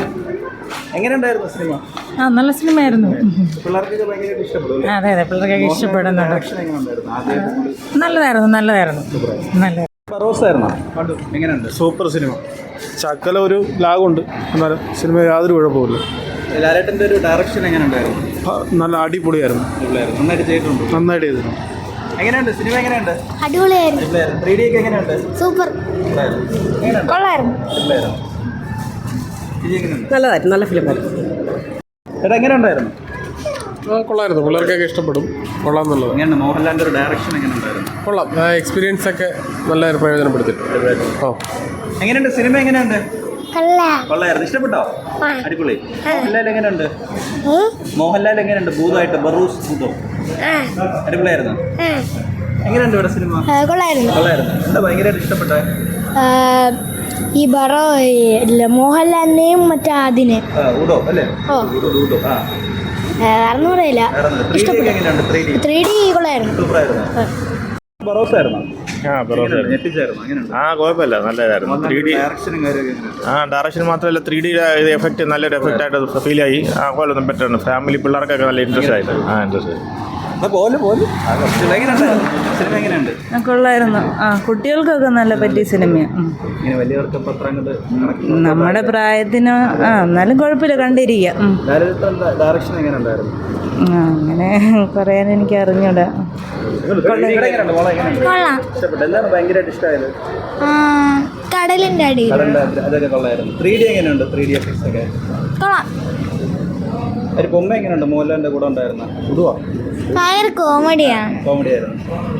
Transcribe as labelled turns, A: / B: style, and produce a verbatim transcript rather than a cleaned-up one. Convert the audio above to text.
A: എങ്ങനെയുണ്ടായിരുന്നു സിനിമ?
B: ആ നല്ല സിനിമയായിരുന്നു.
A: പിള്ളേർക്കൊക്കെ ഭയങ്കരമായിട്ട് ഇഷ്ടപ്പെടും.
B: അതെ അതെ പിള്ളേർക്കൊക്കെ ഇഷ്ടപ്പെടുന്നുണ്ട്.
A: ഡയറക്ഷൻ എങ്ങനെയുണ്ടായിരുന്നു? ആദ്യം
B: നല്ലതായിരുന്നു നല്ലതായിരുന്നു നല്ല
A: റോസായിരുന്നോ? കണ്ടു. എങ്ങനെയുണ്ട്?
C: Super cinema. ശകല ഒരു ലാഗുണ്ട്, എന്നാലും സിനിമ യാതൊരു കുഴപ്പമില്ല.
A: ലാലേട്ടൻ്റെ ഒരു ഡയറക്ഷൻ എങ്ങനെയുണ്ടായിരുന്നു?
C: ആ, നല്ല അടിപൊളിയായിരുന്നു.
A: നന്നായിട്ട് ചെയ്തിട്ടുണ്ട്.
C: നന്നായിട്ട് ചെയ്തിട്ടുണ്ട്.
A: എങ്ങനെയുണ്ട് സിനിമ? എങ്ങനെയുണ്ട്?
D: അടിപൊളിയായിരുന്നു.
A: ത്രീ ഡി ഒക്കെ എങ്ങനെയുണ്ട്?
D: സൂപ്പർ.
A: എങ്ങനെയുണ്ട്?
D: കൊള്ളായിരുന്നു.
A: ഇത് എങ്ങനെയുണ്ട്?
B: നല്ലതായിരുന്നു നല്ല ഫിലിമായിരുന്നു.
A: ചേട്ടാ എങ്ങനെയുണ്ടായിരുന്നു?
C: ആ, കൊള്ളായിരുന്നു. പിള്ളേർക്കൊക്കെ ഇഷ്ടപ്പെടും. കൊള്ളാം എന്നുള്ളത്.
A: എങ്ങനെയുണ്ട് മോഹൻലാലിൻ്റെ ഒരു ഡയറക്ഷൻ എങ്ങനെയുണ്ടായിരുന്നു?
C: കൊള്ളാം. എക്സ്പീരിയൻസ് ഒക്കെ നല്ല പ്രയോജനപ്പെടുത്തിയിട്ടുണ്ട്. ഓ
A: എങ്ങനെയുണ്ട് സിനിമ? എങ്ങനെയുണ്ട്?
D: കൊള്ളാം.
A: കൊള്ളായിരുന്നു. ഇഷ്ടപ്പെട്ടോ?
D: ആ.
A: അടിപൊളി. മോഹൻലാൽ എങ്ങനെയുണ്ട്?
D: ഉം.
A: മോഹൻലാൽ എങ്ങനെയുണ്ട്? ഭൂതമായിട്ട് ബറൂസ് ഭൂതം
D: ആ.
A: അടിപൊളിയായിരുന്നു.
D: ആ.
A: എങ്ങനെയുണ്ട് ഇവിടെ സിനിമ?
D: ആ, കൊള്ളായിരുന്നു.
A: കൊള്ളായിരുന്നു. എന്താ ഭയങ്കരമായിട്ട് ഇഷ്ടപ്പെട്ടെ?
D: ആ, ഈ ബറോ ഇല്ല മോഹൻലാലിനെയും മറ്റേ അതിന്
A: ആ, ഉഡോ അല്ലേ?
D: ഓ.
A: ഉഡോ, ഉഡോ. ആ.
D: അറിഞ്ഞൂറില്ല.
A: ത്രീ ഡി ഒക്കെ എങ്ങനെയുണ്ട്? ത്രീ ഡി
D: ത്രീ ഡി കൊള്ളായിരുന്നു.
A: സൂപ്പറായിരുന്നു. ബറോസ് ആയിരുന്നോ?
E: ആ ബറോസ്
A: ഞെട്ടിച്ചായിരുന്നു. എങ്ങനെയുണ്ട്?
E: ആ കുഴപ്പമില്ല നല്ലതായിരുന്നു. ത്രീ ഡി
A: ഡയറക്ഷനും കാര്യമൊക്കെ എങ്ങനെയുണ്ട്?
E: ആ ഡയറക്ഷൻ മാത്രമല്ല ത്രീ ഡി ഇത് എഫക്റ്റ് നല്ലൊരു എഫക്റ്റ് ആയിട്ട് ഫീൽ ആയി. ആ കുഴപ്പമൊന്നും ബെറ്ററാണ്. ഫാമിലി പിള്ളേർക്കൊക്കെ നല്ല ഇൻട്രസ്റ്റ് ആയിട്ട് ആ ഇൻട്രസ്റ്റ് ആയി.
A: എന്നാ പോലെ പോലെ ആ, കുറച്ചുകൂടെ എങ്ങനെയുണ്ടായിരുന്നു? സിനിമ എങ്ങനെയുണ്ട്?
B: കൊള്ളായിരുന്നു. ആ കുട്ടികൾക്കൊക്കെ നല്ല പറ്റിയ സിനിമയാണ്.
A: ഇങ്ങനെ വലിയവർക്ക് ഇപ്പം അത്ര അങ്ങോട്ട് കണക്ക്
B: നമ്മുടെ പ്രായത്തിന് ആ എന്നാലും കുഴപ്പമില്ല കണ്ടിരിക്കുക. ഉം.
A: ലാലേട്ടൻ്റെ ഡയറക്ഷൻ എങ്ങനെയുണ്ടായിരുന്നു?
B: ആ, അങ്ങനെ പറയാൻ എനിക്ക് അറിഞ്ഞൂടാ.
A: എങ്ങനെയുണ്ട് മോളെ? എങ്ങനെയുണ്ട്?
D: കൊള്ളാം.
A: ഇഷ്ടപ്പെട്ടു. എന്താണ് ഭയങ്കരമായിട്ട് ഇഷ്ടമായത്?
D: ആ, കടലിന്റെ അടിയിൽ
A: കടലിൻ്റെ അതൊക്കെ കൊള്ളായിരുന്നു. ത്രീ ഡി എങ്ങനെയുണ്ട്? ത്രീ ഡി എഫക്ട്സ് ഒക്കെ
D: കൊള്ളാം.
A: ഒരു ബൊമ്മ എങ്ങനെയുണ്ട്? മോഹൻലാലിൻ്റെ കൂടെ ഉണ്ടായിരുന്ന ഉടുവാ
D: ഭയങ്കര കോമഡിയാണ്.
A: കോമഡി ആയിരുന്നു.